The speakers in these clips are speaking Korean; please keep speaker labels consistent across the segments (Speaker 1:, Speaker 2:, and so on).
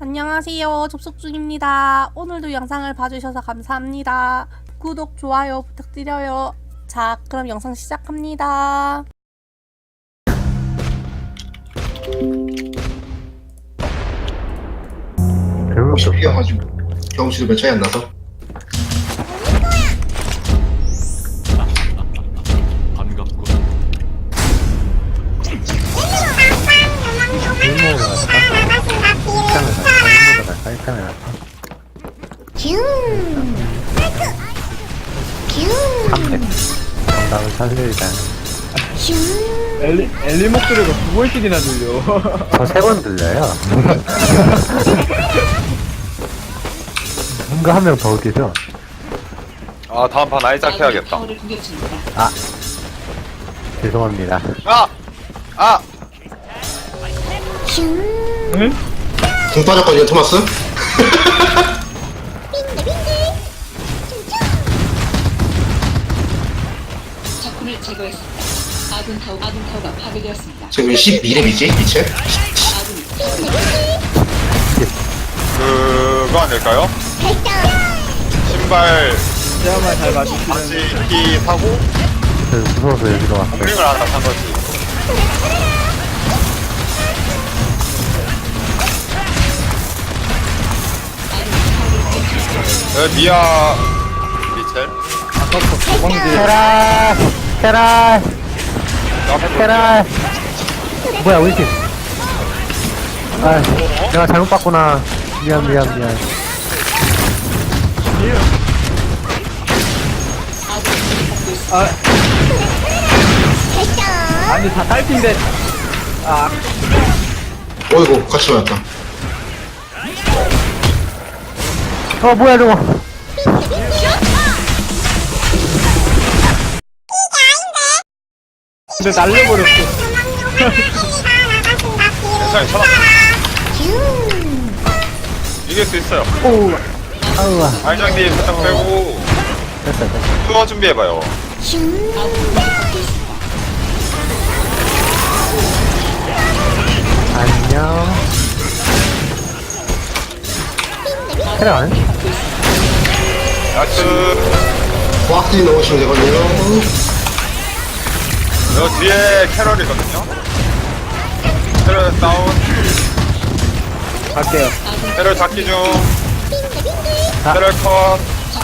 Speaker 1: 안녕하세요. 접속 중입니다. 오늘도 영상을 봐주셔서 감사합니다. 구독, 좋아요 부탁드려요. 자, 그럼 영상 시작합니다.
Speaker 2: 혹시 피어가지고 경험치도 몇 차이 안 나서
Speaker 3: 반갑고
Speaker 4: 일모로 갈까? 일단은 갈까? 300 정답을 살리자.
Speaker 5: 엘리 목소리가 두 번씩이나 들려.
Speaker 4: 저 3번 들려요. 뭔가 한 명 더 웃기죠?
Speaker 3: 아 다음 판 아이작 해야겠다.
Speaker 4: 아 죄송합니다.
Speaker 3: 아!
Speaker 5: 응?
Speaker 2: 공 빠졌거든요 토마스.
Speaker 6: 적군을 제거했습니다. 아군 타워가 파괴되었습니다.
Speaker 2: 지금 12렙이지 이체.
Speaker 3: 그거 아닐까요? 신발
Speaker 5: 시야만 잘 맞추시면
Speaker 3: 바지 키 사고
Speaker 4: 무서워서 여기로 왔어요.
Speaker 3: 공링을 하나 산 거지. 미아 미첼
Speaker 5: 아까부터 도망지.
Speaker 4: 테라! 테라! 테라! 뭐야 우리 팀? 아 내가 잘못 봤구나. 미안.
Speaker 5: 아니 다 딸핀데. 아
Speaker 2: 어이구 같이 맞았다.
Speaker 4: 뭐야 저거.
Speaker 5: 근데 날려버렸어.
Speaker 3: 괜찮아. 이길 수 있어요.
Speaker 4: 오 아우와
Speaker 3: 아이작님 살짝 빼고
Speaker 4: 됐다.
Speaker 3: 투어 준비해봐요.
Speaker 4: 안녕. 테라 안 해?
Speaker 3: 나이스.
Speaker 2: 꽉지 넣으시면 되거든요.
Speaker 3: 여 뒤에 캐럴이거든요. 캐럴 다운.
Speaker 5: 갈게요.
Speaker 3: 캐럴 잡기 중. 캐럴 컷.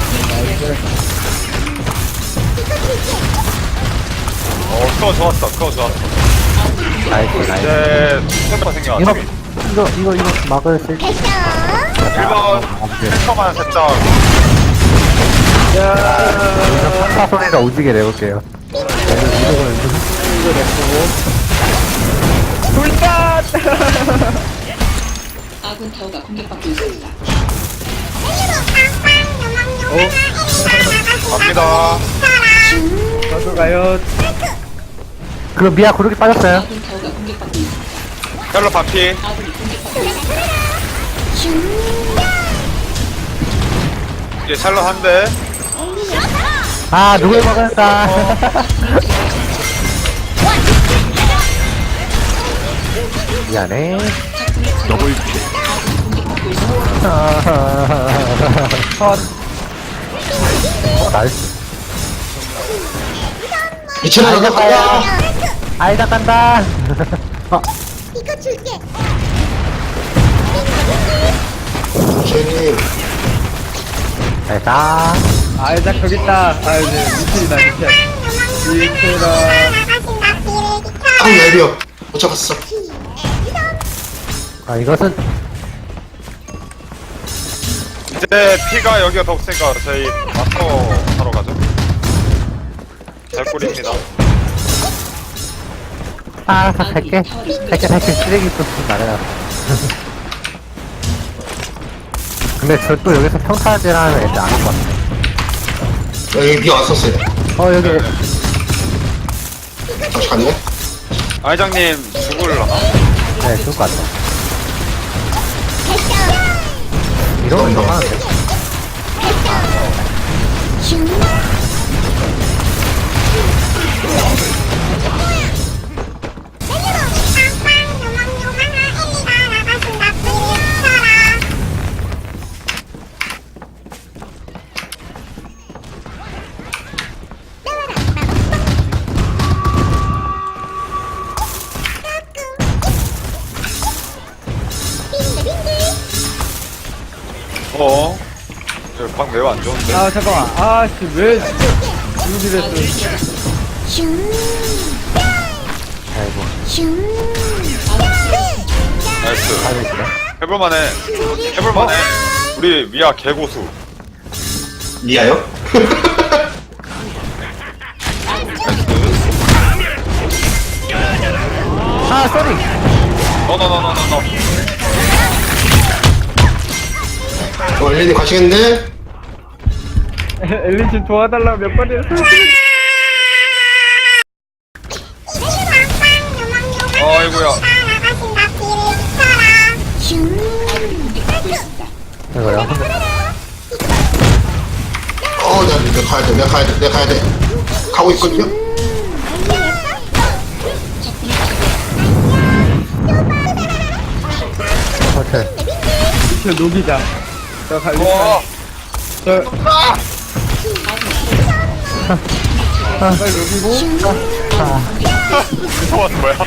Speaker 3: 그거 좋았어.
Speaker 4: 나이스.
Speaker 3: 이제 템퍼 생겨가지고.
Speaker 4: 이거 막을 수 있...
Speaker 3: 1번 템퍼만 살짝.
Speaker 4: 판타 소리가 오지게 내볼게요.
Speaker 5: 불단.
Speaker 6: 아군 타워가 공격받고 있습니다.
Speaker 3: 갑니다.
Speaker 5: 저도 가요.
Speaker 4: 그럼 미아 구르기 빠졌어요.
Speaker 6: 아군 타워가 공격받고 있습니다.
Speaker 3: 캐럴 반피.
Speaker 6: 아군이 공격받고 있습니다.
Speaker 3: 이제 샬럿 한 대.
Speaker 4: 아 누굴 막을까? 미안해.
Speaker 3: 더블
Speaker 4: 나이스.
Speaker 2: 이체 나가 간다.
Speaker 4: 아이다 간다.
Speaker 2: 이체님
Speaker 4: 잘가.
Speaker 5: 아이작 저기 있다. 아 이제 미틀이다 미틀. 미틀아.
Speaker 2: 아우 얇이요. 못 잡았어.
Speaker 4: 아 이것은
Speaker 3: 이제 피가 여기가 더 없으니까 저희 마스터 하러 가죠. 잘 꿀입니다.
Speaker 4: 다 갈게. 쓰레기 소스 말해라. 근데 저 또 여기서 평타질하는 애들 안 올 것 같아.
Speaker 2: 여기 비 왔었어요.
Speaker 4: 여기
Speaker 2: 다시 갔네.
Speaker 3: 아이장님 죽을라나?
Speaker 4: 네 좋을 것 같아. 이러면 더 하는데.
Speaker 3: 어? 방 매우 안 좋은데?
Speaker 5: 아 잠깐만 아씨 왜 여기 됐어
Speaker 4: 아이고.
Speaker 3: 나이스.
Speaker 4: 잘했어.
Speaker 3: 해볼만해. 해볼만해. 우리 미아 개고수.
Speaker 2: 리아요?
Speaker 3: 나이스.
Speaker 4: 아, 쏘리!
Speaker 3: 너너너너너너.
Speaker 2: 엘리님 가시겠네?
Speaker 5: 엘린 씨 도와달라고 몇 번이나
Speaker 3: 어이구야.
Speaker 6: 공격받고 있습니다.
Speaker 4: 이거요.
Speaker 2: 내가 가야 돼, 내가 가야 돼. 가고 있거든요?
Speaker 4: 오케이.
Speaker 5: 저 녹이자 저 갈리
Speaker 3: 어.
Speaker 5: 저
Speaker 4: 아.
Speaker 5: 빨리 녹이고
Speaker 3: 무서워하는 거야?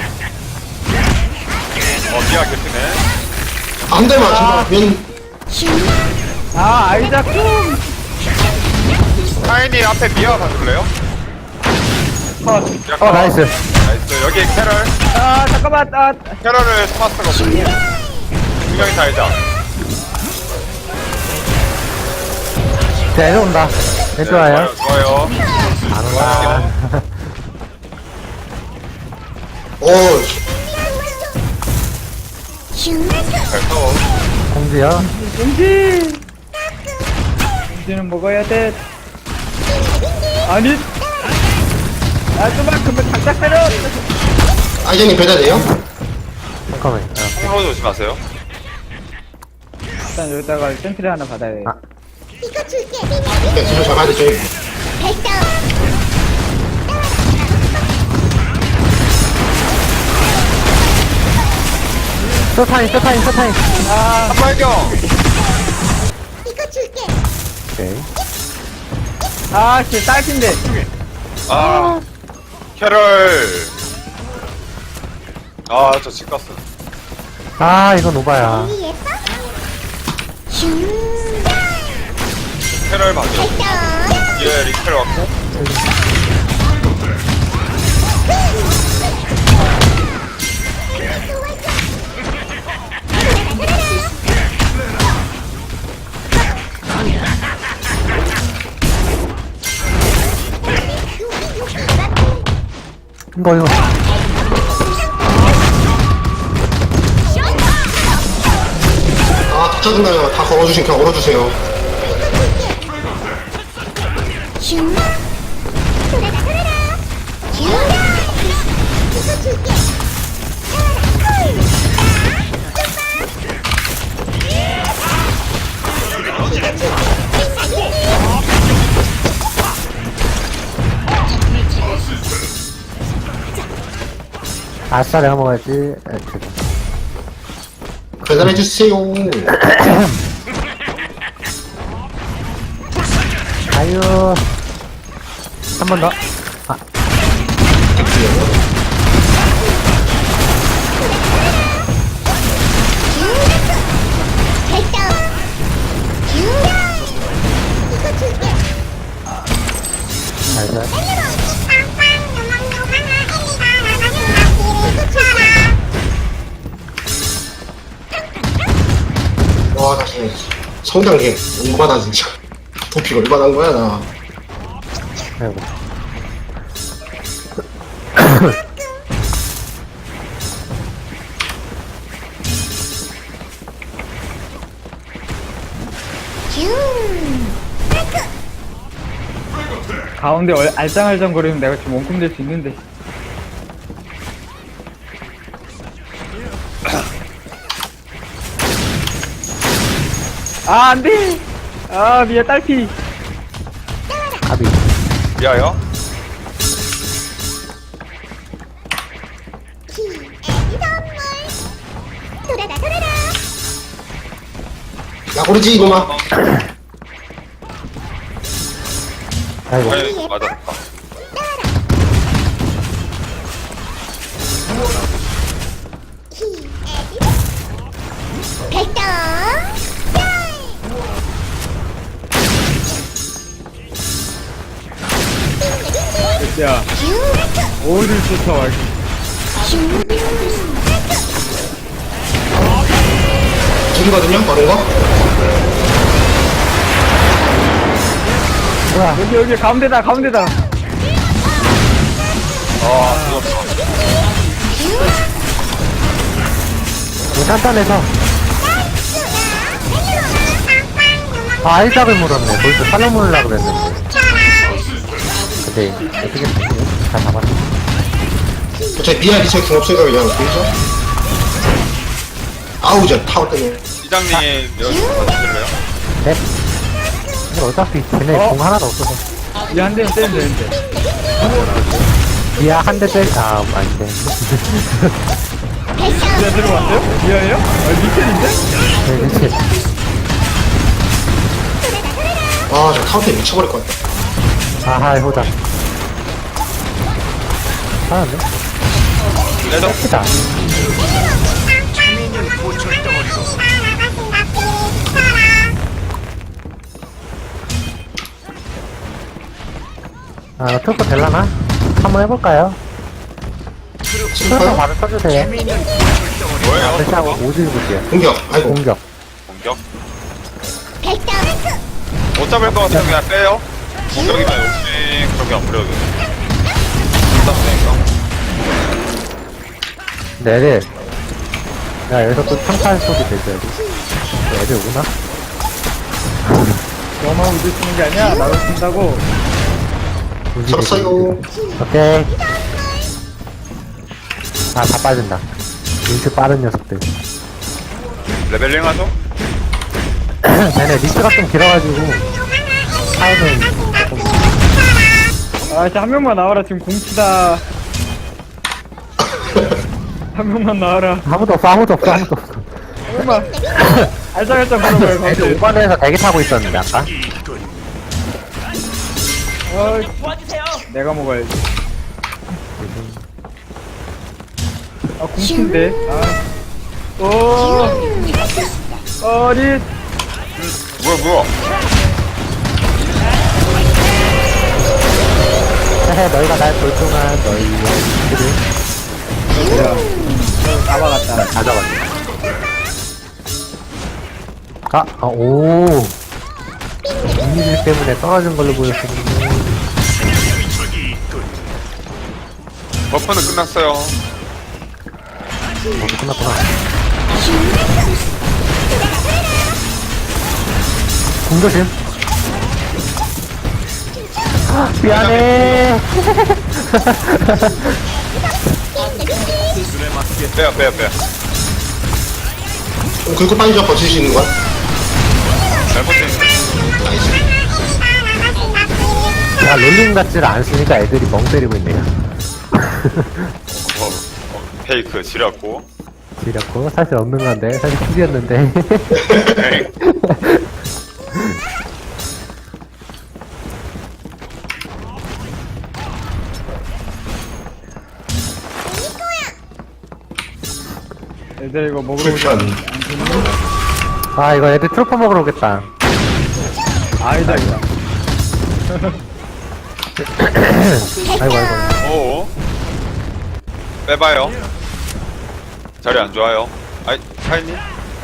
Speaker 3: 미아 개피네.
Speaker 2: 한 대만, 제발.
Speaker 5: 아 아이작
Speaker 3: 타이니 앞에 미아 봐줄래요?
Speaker 4: 어, 나이스.
Speaker 3: 나이스. 여기 캐럴.
Speaker 5: 아 잠깐만 아
Speaker 3: 캐럴을 토마스가 없고. 두 명이 다 알자.
Speaker 4: 내려온다. 왼쪽 와요.
Speaker 3: 좋아요.
Speaker 4: 안 온다.
Speaker 3: 잘 싸워.
Speaker 4: 공지요.
Speaker 5: 이제는 먹어야 돼 아니 아 좀만 그만 당장 때려
Speaker 2: 아이젠님 배달돼요?
Speaker 4: 잠깐만요.
Speaker 3: 홍로 조심하세요.
Speaker 5: 일단 여기다가 센트리 하나 받아야 돼
Speaker 4: 아.
Speaker 2: 네, 진짜 잡아야 돼, 저희.
Speaker 4: 쇼타임.
Speaker 3: 한발경.
Speaker 4: 오케이.
Speaker 5: 아씨 딸핀데
Speaker 3: 아. 캐럴. 저 집갔어.
Speaker 4: 아, 이건 오바야.
Speaker 3: 캐럴 맞아. 예, 리캐럴 왔고.
Speaker 4: 이거.
Speaker 2: 다 짜증나요. 다 그냥 걸어주세요.
Speaker 4: 아싸, 내가 먹어야지. 죄송.
Speaker 2: 배달해주세요.
Speaker 4: 아유. 한 번 더. 아, 나이스.
Speaker 2: 와, 나 진짜 성장계 얼마나 진짜. 도피가 얼마나 한 거야, 나.
Speaker 4: 아이고.
Speaker 5: 가운데 알짱알짱 거리면 내가 지금 원콤 될 수 있는데 아 안돼 아 미야 딸피
Speaker 4: 가비.
Speaker 3: 미아요?
Speaker 2: 야, 그러지, 이놈아.
Speaker 4: 아이고.
Speaker 3: 아니, 맞았다.
Speaker 5: 야, 어딜 쫓아와.
Speaker 2: 지금거든요 빠른 거.
Speaker 4: 뭐야?
Speaker 5: 여기 가운데다, 가운데다.
Speaker 4: 이거 단단해서. 아, 알작을 물었네. 거기서 살로 물으려고 그랬는데. 근데, 어떻게, 잘 잡았네.
Speaker 2: 어차피 미아 리체 중 없으니까 그냥 보이죠? 아우 저 타워 때문에.
Speaker 3: 이장님 여기 봐주실래요?
Speaker 4: 네? 근데 어차피 쟤네 공 하나도 없어서.
Speaker 5: 이 한 대는 때리면 되는데.
Speaker 4: 미아 한 대 때리, 아, 아닌데.
Speaker 5: 미아 들어왔어요? 미아예요? 아, 미켈인데?
Speaker 4: 네, 미치.
Speaker 2: 아저 타워 때문에 미쳐버릴 것 같다.
Speaker 4: 아하, 호자. 잘하네.
Speaker 3: 레더
Speaker 4: 크다. 아, 트루퍼 될라나? 한번 해볼까요? 트루퍼 바로 써주세요.
Speaker 3: 뭐예요?
Speaker 4: 다시 하고 오질 볼게요.
Speaker 2: 공격. 아이고.
Speaker 4: 공격.
Speaker 3: 공격 못 잡을 것 같으면 그냥 빼요. 공격이면 욕심 그렇게 안 부려도 돼. 일단
Speaker 4: 네네. 야, 여기서 또 평판 소리 들려야지. 애들 오구나?
Speaker 5: 너만 우주 쓰는 게 아니야. 나도 쓴다고.
Speaker 2: 쳤어요.
Speaker 4: 오케이. 아, 다 빠진다. 인트 빠른 녀석들.
Speaker 3: 레벨링 하죠?
Speaker 4: 쟤네 리스트가 좀 길어가지고, 타임은 조금.
Speaker 5: 아, 진짜 한 명만 나와라. 지금 공치다. 한 명만 나와라.
Speaker 4: 아무도 없어, 아무도 없어, 아무도 없어.
Speaker 5: 한 명만. 알짱알짱 걸어봐요,
Speaker 4: 애들
Speaker 5: 가운데.
Speaker 4: 5번에서 대기 타고 있었는데, 아까.
Speaker 5: 어이, 내가 먹어야지. 아, 공치인데. 아. 오. 어릿.
Speaker 3: 뭐야
Speaker 4: 헤헤, 너희가 날 볼 동안 너희 영들이
Speaker 5: 야, 다 막았다.
Speaker 4: 다 잡았네. 오. 이미지 때문에 떨어진 걸로 보였었는데.
Speaker 3: 버프는 끝났어요.
Speaker 4: 모두 끝났구나. 공조심. 미안해.
Speaker 3: 빼요
Speaker 2: 긁고 빨리 버틸 수 있는 거야?
Speaker 3: 잘못했네.
Speaker 4: 야, 롤링 같지를 않으니까 애들이 멍 때리고 있네요.
Speaker 3: 페이크 지렸고.
Speaker 4: 지렸고, 사실 없는 건데, 사실 킬이었는데.
Speaker 5: 애들 이거 먹으러 오지
Speaker 2: 불편.
Speaker 4: 아, 이거 애들 트로퍼 먹으러 오겠다.
Speaker 5: 아니다, 이거.
Speaker 4: 아이고, 아이고.
Speaker 3: 오. 빼봐요. 자리 안 좋아요. 아이 차이님.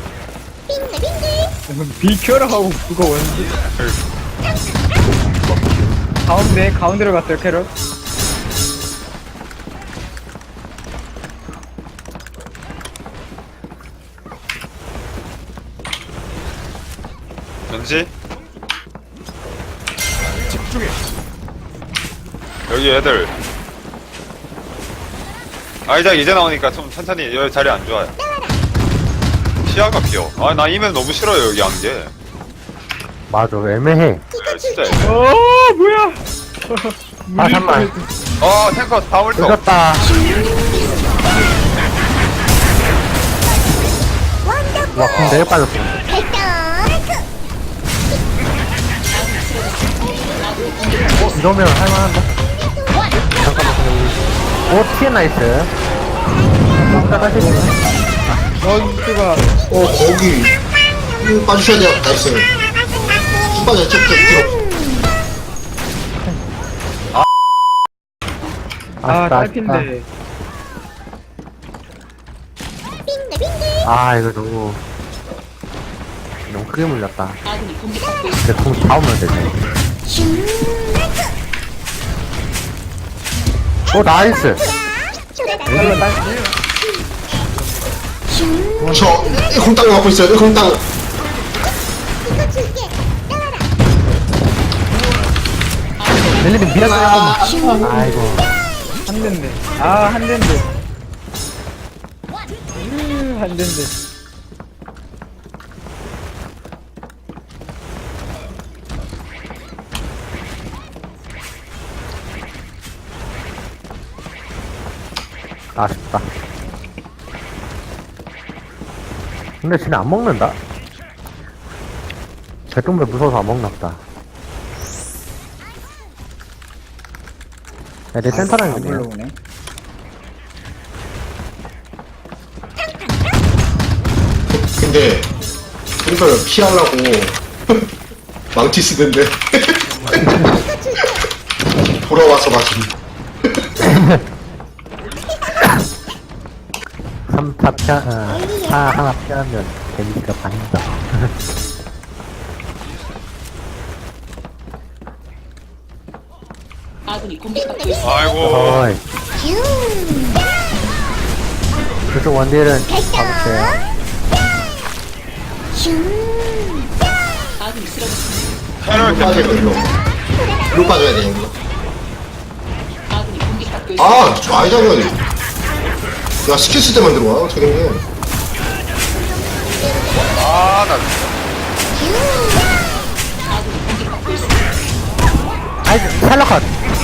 Speaker 5: 비켜라 하고 그거 원지. 가운데로 갔어요, 캐럿.
Speaker 3: 전지. 집중해. 여기 애들. 아이작 이제 나오니까 좀 천천히 여기 자리 안 좋아요. 시야가 비어. 아 나 이면 너무 싫어요 여기 안개.
Speaker 4: 맞아, 애매해.
Speaker 3: 야, 진짜. 애매해.
Speaker 5: 뭐야?
Speaker 4: 아, 잠만.
Speaker 3: 탱커 다물 또.
Speaker 4: 늦었다. 와, 공 내일 빠졌어. 이러면 할만한데? 잠깐만, 오, TN 나이스. 일단 다시 보자.
Speaker 5: 넌스가
Speaker 2: 거기. 빠주셔야 돼요. 나이스. 쭉 빠져, 쭉 뒤로.
Speaker 5: 딸핀데.
Speaker 4: 아, 이거 너무 크게 물렸다. 근데 공 잡으면 되지. 오, 나이스.
Speaker 2: 저 공땅 갖고 있어요. 공땅.
Speaker 4: 멜리님 미안해요. 아이고.
Speaker 5: 한 대인데. 한 대인데. 한 대인데.
Speaker 4: 아쉽다. 근데 쟤네 안 먹는다. 제똥배 무서워서 안 먹나보다. 내 센터라는
Speaker 5: 안
Speaker 4: 거네요.
Speaker 5: 불러오네.
Speaker 2: 근데 그래서 피하려고 망치 쓰던데. 돌아와서 맞은.
Speaker 4: 3타 타 하나 피하면 데미지가 반이다.
Speaker 3: 아이고.
Speaker 4: 어이. 그쪽 원딜은 잡을게요.
Speaker 3: 테러
Speaker 2: 빠져야
Speaker 3: 캠프.
Speaker 2: 돼, 일로. 일로 빠져야 돼, 여기로. 아, 저 아이작은. 야, 스킬 쓸 때만 들어와, 저게.
Speaker 3: 아, 나
Speaker 4: 아이, 샬럿컷!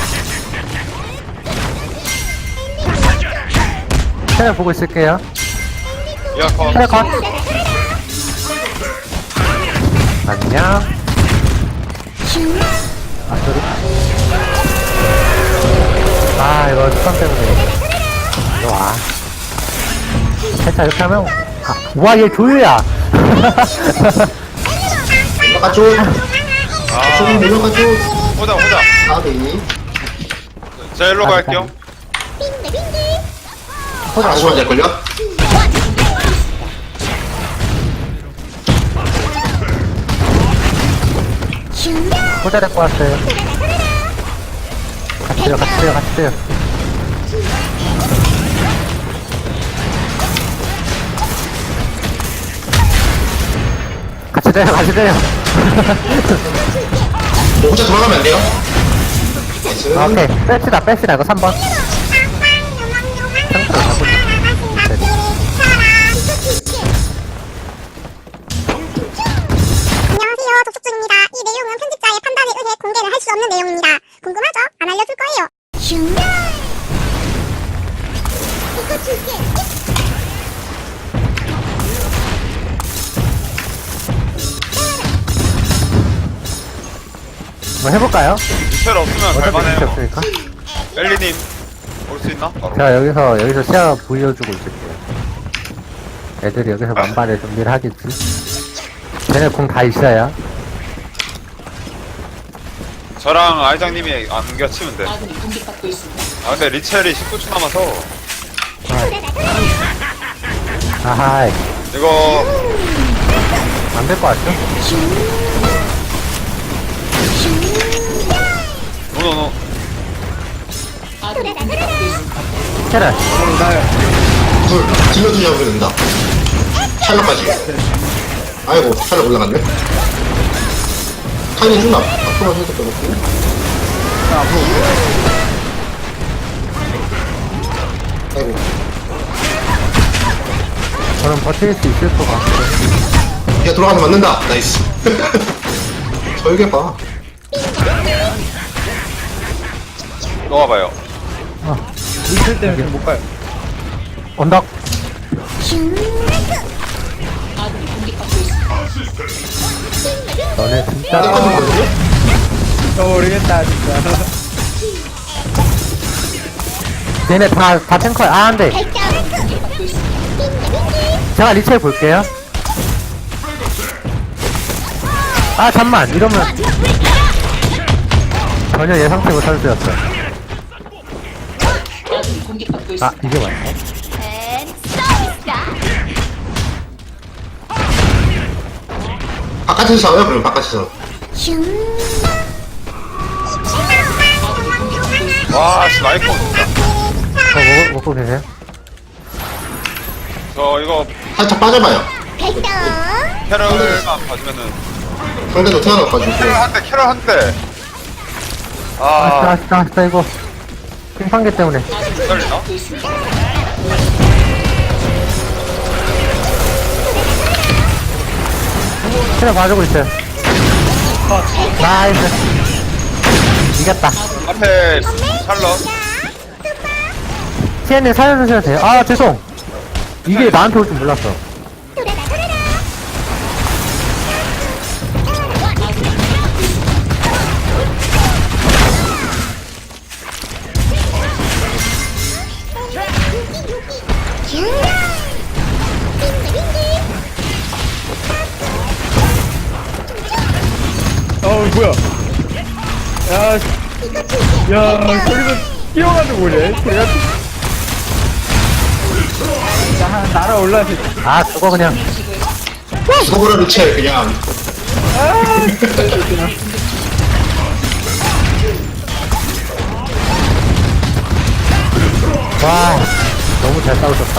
Speaker 4: 샬럿 보고 있을게요.
Speaker 3: 야, 컷.
Speaker 4: 샬럿컷! 안녕. 아, 저리. 아, 이거 수상 때문에. 이리 와. 살짝 이렇게 하면, 와, 얘 조유야!
Speaker 2: 올라가줘. 좀 올라가줘.
Speaker 3: 보자.
Speaker 2: 아비.
Speaker 3: 자, 일로 갈게요.
Speaker 2: 안 좋아야 될걸요?
Speaker 4: 호자 데리고 왔어요. 같이 뛰어. 같이 때려.
Speaker 2: 뭐 혼자 돌아가면 안 돼요? 나이스.
Speaker 4: 오케이. 뺍시다. 이거 3번.
Speaker 7: 안녕하세요. 독촉중입니다. 이 내용은 편집자의 판단에 의해 공개를 할 수 없는 내용입니다. 궁금하죠? 안 알려줄 거예요. 이거 줄게.
Speaker 4: 뭐 해볼까요?
Speaker 3: 리첼 없으면
Speaker 4: 어차피
Speaker 3: 갈만해요.
Speaker 4: 빛이 없으니까.
Speaker 3: 멜리님, 올 수 있나? 바로.
Speaker 4: 제가 여기서 시야 보여주고 있을게요. 애들이 여기서 만반의 준비를 하겠지. 쟤네 공 다 있어요.
Speaker 3: 저랑 아이장님이 안 겹치면 돼. 아, 근데 리첼이 19초 남아서,
Speaker 4: 아하이.
Speaker 3: 이거,
Speaker 4: 안 될 것 같죠?
Speaker 3: 노노노.
Speaker 4: 테라.
Speaker 5: 나요.
Speaker 2: 둘, 딜러도 잡으면 된다. 샬럿까지. 아이고, 샬럿 올라갔네. 타이밍 준다. 앞으로 해서 빼놓고. 아이고,
Speaker 4: 저는 버틸 수 있을 것 같아요.
Speaker 2: 야, 돌아가서 맞는다. 나이스. 저에게 봐.
Speaker 3: 놓아봐요.
Speaker 5: 미칠 때문에 못 가요.
Speaker 4: 언덕. 너네 진짜.
Speaker 2: 때까지거든요?
Speaker 5: 저 모르겠다, 진짜.
Speaker 4: 얘네 다 탱커야. 아, 안 돼. 제가 리첼 볼게요. 아, 잠만. 이러면 전혀 예상치 못한 수였어. 아,
Speaker 6: 있습니다.
Speaker 4: 이게 맞네.
Speaker 2: 바깥에서 싸워요 그럼 바깥에서.
Speaker 3: 와, 씨, 라이프 진짜.
Speaker 4: 먹고 계세요?
Speaker 3: 저 이거
Speaker 2: 살짝 빠져봐요.
Speaker 3: 캐럴만 봐주면은.
Speaker 2: 상대도 태어나가지고.
Speaker 3: 캐럴 한 대.
Speaker 4: 아쉽다, 이거. 핑판개 때문에.
Speaker 3: 떨리나?
Speaker 4: 체력 봐주고 있어요. 나이스. 이겼다.
Speaker 3: 앞에 샬럿.
Speaker 4: TN님 살려주셔도 돼요. 아, 죄송. 이게 나한테 올 줄 몰랐어.
Speaker 5: 뭐야. 야, 저기서 뛰어가지고 오네. 제가. 날아올라서.
Speaker 4: 아, 그거 그냥.
Speaker 2: 죽어버려 채 그냥.
Speaker 4: 와, 너무 잘 싸우셨다.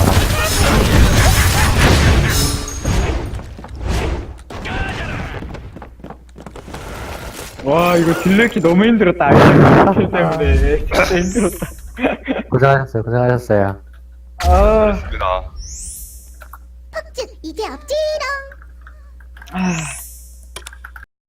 Speaker 5: 와, 이거 딜레키 너무 힘들었다. 아이템 때문에. 진짜 힘들었다.
Speaker 4: 고생하셨어요.
Speaker 5: 아,
Speaker 3: 입니다.
Speaker 7: 이제 없지롱.
Speaker 5: 아.